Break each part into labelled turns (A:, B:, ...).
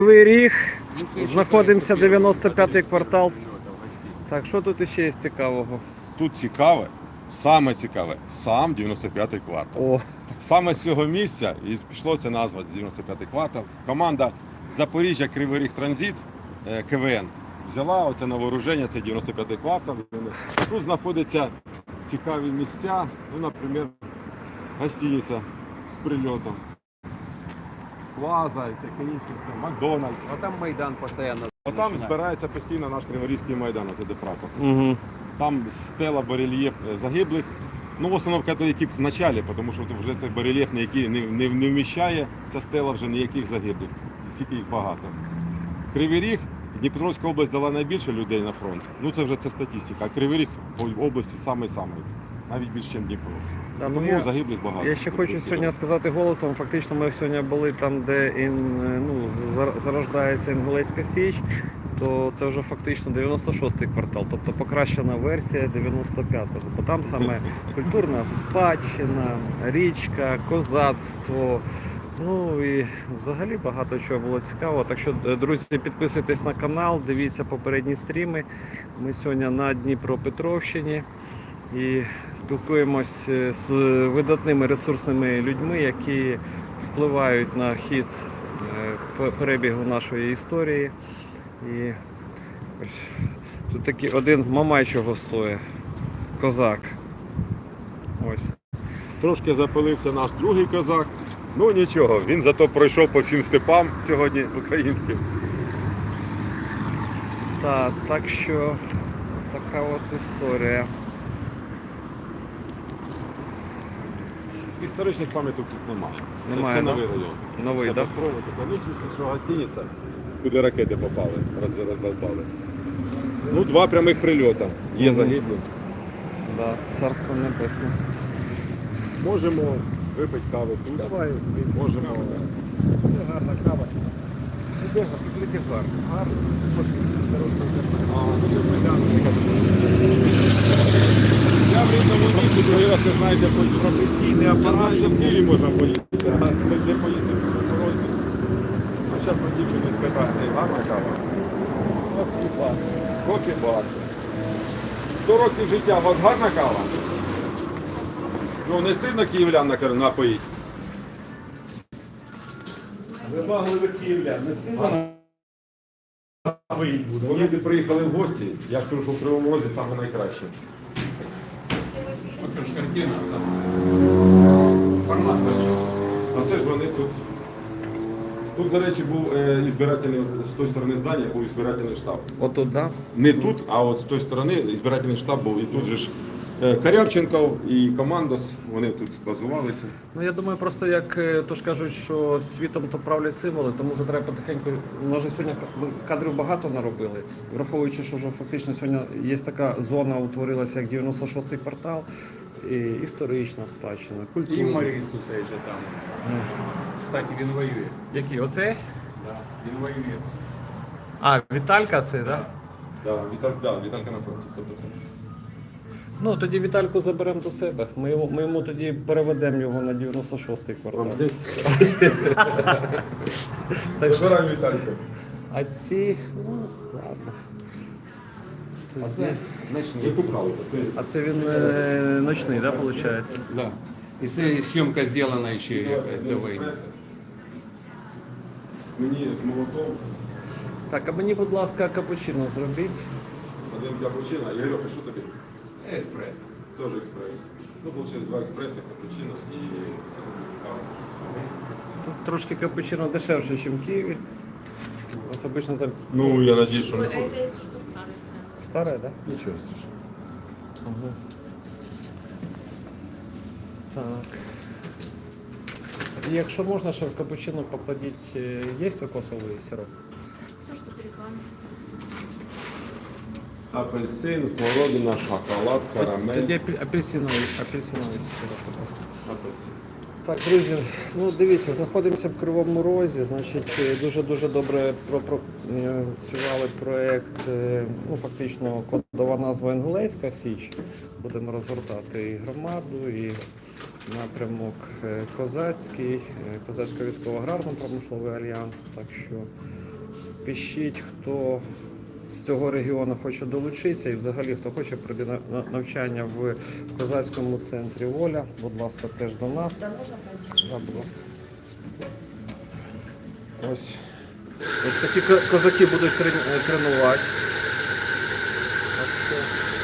A: Кривий Ріг, знаходимося 95-й квартал. Так, що тут ще є цікавого?
B: Тут цікаве, саме цікаве, сам 95-й квартал.
A: О,
B: Саме з цього місця і пішло це назва 95-й квартал. Команда Запоріжжя Кривий Ріг Транзит КВН взяла оце на вооруження, це 95-й квартал. Тут знаходяться цікаві місця, ну, наприклад, гостиниця з прильотом, Плаза, і таке інше, Макдональдс.
C: А там Майдан постоянно.
B: А там збирається постійно наш Криворізький майдан, оце де прапор.
A: угу.
B: Там стела, барельєф загиблих. Ну, в основному католиків в началі, тому що вже цей барельєф ніякий не вміщає, ця стела вже ніяких загиблих, стільки їх багато. Кривий Ріг, Дніпропетровська область дала найбільше людей на фронт. Ну це вже це статистика, а Кривий Ріг в області самий-самий, навіть більше, ніж Дніпро.
A: Да,
B: Тому загиблих багато.
A: Я ще хочу сьогодні сказати голосом, фактично ми сьогодні були там, де зарождається Інгулецька Січ, то це вже фактично 96-й квартал, тобто покращена версія 95-го. Бо там саме культурна спадщина, річка, козацтво, ну і взагалі багато чого було цікавого. Так що, друзі, підписуйтесь на канал, дивіться попередні стріми. Ми сьогодні на Дніпропетровщині і спілкуємось з видатними ресурсними людьми, які впливають на хід перебігу нашої історії. І ось тут такий один мамай чого стоїть, козак. Ось.
B: Трошки запилився наш другий козак. Ну нічого, він зато пройшов по всім степам сьогодні українським.
A: Так що така от історія.
B: Історичних пам'яток тут немає.
A: Немає,
B: це
A: да?
B: новий район.
A: Новий,
B: це
A: так?
B: построєно, що гостиниця, куди ракети попали, роздолбали. Ну, 2 прямих прильоти. Є загиблі.
A: Да, царство небесне.
B: Можемо випити кави тут.
C: Давай.
B: Можемо.
C: Гарна кава.
B: Де гарно? Гарно.
C: Гарно.
B: Я в рідному місці, другий раз не знаю, де поїсти.
C: Професійний
B: Апарат,
C: апарат.
B: що в Києві можна поїсти. А де поїсти в Морозі. А зараз про дівчину спитати. Гарна кава.
C: Кофі-бар.
B: Кофі-бар. 100 років життя. У вас гарна кава? Ну, не стидно київлян напоїть?
C: Вимагливих київлян. Не стидно виїдь буде.
B: Коли люди приїхали в гості, я скажу, що в Кривому Розі саме найкраще.
C: Це ж картина сама. Формат большой.
B: А це ж вони тут. Тут, до речі, був збирательний, з тої сторони здання був збирательний штаб.
A: Отут, так?
B: Не тут, а от з тої сторони збирательний штаб був. І тут же ж Корявченков і Командос, вони тут базувалися.
A: Ну я думаю, просто як то ж кажуть, що світом то правлять символи, тому вже треба потихеньку. У нас же сьогодні кадрів багато наробили, враховуючи, що вже фактично сьогодні є така зона, утворилася як 96-й квартал, і історична спадщина,
C: І
A: культура.
C: Моріс цей же там. Кстати, він воює.
A: Який? Оцей?
C: Да. Він воює.
A: А, Віталька це, так?
B: Віталька на фронті, 100%.
A: Ну тоді Вітальку заберемо до себе. Ми йому тоді переведемо його на 96-й квартал.
B: Забираємо Вітальку.
A: А ці, ну ладно.
C: А це ночний.
B: Яку брали?
A: А це він ночний, так, виходить?
C: Да. І це зйомка зроблена ще до війни.
B: Мені з молоком
A: Так, а мені, будь ласка, капучино зробіть.
B: один капучино. Ігорьок, а що тобі?
C: Еспрес.
B: Теж експрес. Ну, виходить, 2 експреси, капучино і кава.
A: Тут трошки капучино дешевше, ніж в Києві. Ось обично там
B: Ну, я надіюсь, що не
D: Это если что старая цена.
A: старе, так?
B: Нічого страшного.
A: Ага. Так. І якщо можна, ще в капучино покладіть, є кокосовий сироп?
D: Все, что перед вами.
B: Апельсин, смородина, шоколад, карамель.
A: Тоді апельсиновий сироп, будь ласка.
B: Апельсин.
A: Так, друзі, ну дивіться, знаходимося в Кривому Розі, значить, дуже-дуже добре пропрацювали проєкт, ну фактично кодова назва Інгулецька Січ. Будемо розгортати і громаду, і напрямок Козацький, Козацько-військово-аграрно-промисловий альянс, так що Пишіть, хто з цього регіону хоче долучитися і взагалі хто хоче пройти навчання в козацькому центрі Воля. Будь ласка, теж до нас. Да, будь ласка. Ось такі козаки будуть тренувати. Так що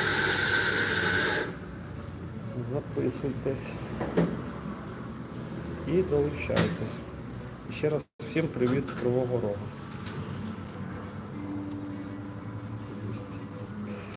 A: записуйтесь і долучайтесь. І ще раз всім привіт з Кривого Рогу.